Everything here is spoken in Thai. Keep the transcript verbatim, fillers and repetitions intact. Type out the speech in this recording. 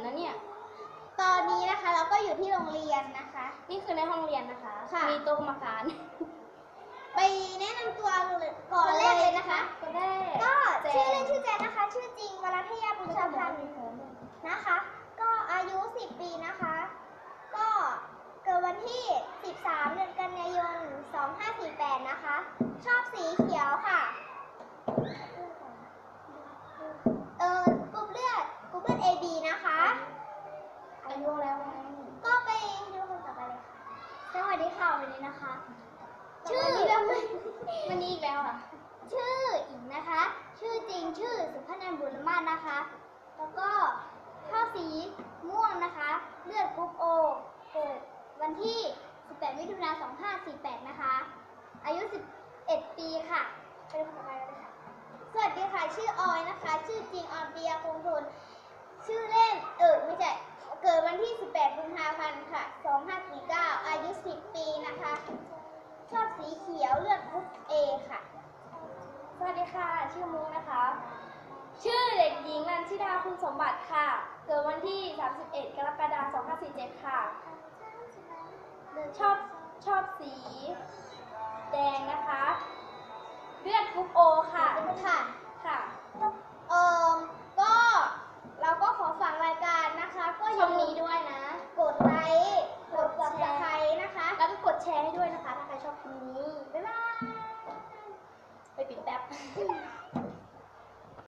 นะเนี่ยตอนนี้นะคะเราก็อยู่ที่โรงเรียนนะคะนี่คือในห้องเรียนนะคะค่ะมีโต๊ะกรรมการไปแนะนำตัวก่อนเลยนะคะก็ได้ก็ชื่อเล่นชื่อแจนนะคะ ชื่อจริงวรัทยาบุญชาพันธ์นะคะ ก็อายุสิบปีนะคะ ก็เกิดวันที่สิบสามเดือนกันยายนสองห้าสี่แปดนะคะ ชอบสีเขียวค่ะเออกรุ๊ปเลือดกรุ๊ปเลือด เอ บี นะคะอายุแล้วไงก็ไปดูคนต่อไปเลยค่ะสวัสดีค่ะวันนี้นะคะ ชื่อวันนี้อีกแล้วอ่ะชื่ออิงนะคะ ชื่อจริงชื่อสุพนันท์บุญมาศนะคะ แล้วก็ชอบสีม่วงนะคะ เลือดกรุ๊ปโอเกิดวันที่สิบแปดมิถุนายนสองห้าสี่แปดนะคะ อายุสิบเอ็ดปีค่ะไปดูคนต่อไปเลยค่ะสวัสดีค่ะชื่อออยนะคะ ชื่อจริงออนเปียคงทนชื่อเล่นเออไม่ใช่เกิดวันที่สิบแปดกุมภาพันธ์ค่ะสองห้าสี่เก้าอายุสิบปีนะคะ ชอบสีเขียวเลือดกรุ๊ปเอค่ะสวัสดีค่ะชื่อมุกนะคะ ชื่อเด็กหญิงนันชิดาคุณสมบัติค่ะเกิดวันที่สามสิบเอ็ดกรกฎาคมสองห้าสี่เจ็ดค่ะชอบชอบสีแดงนะคะเลือดกรุ๊ปโอค่ะค่ะค่ะเอ่อ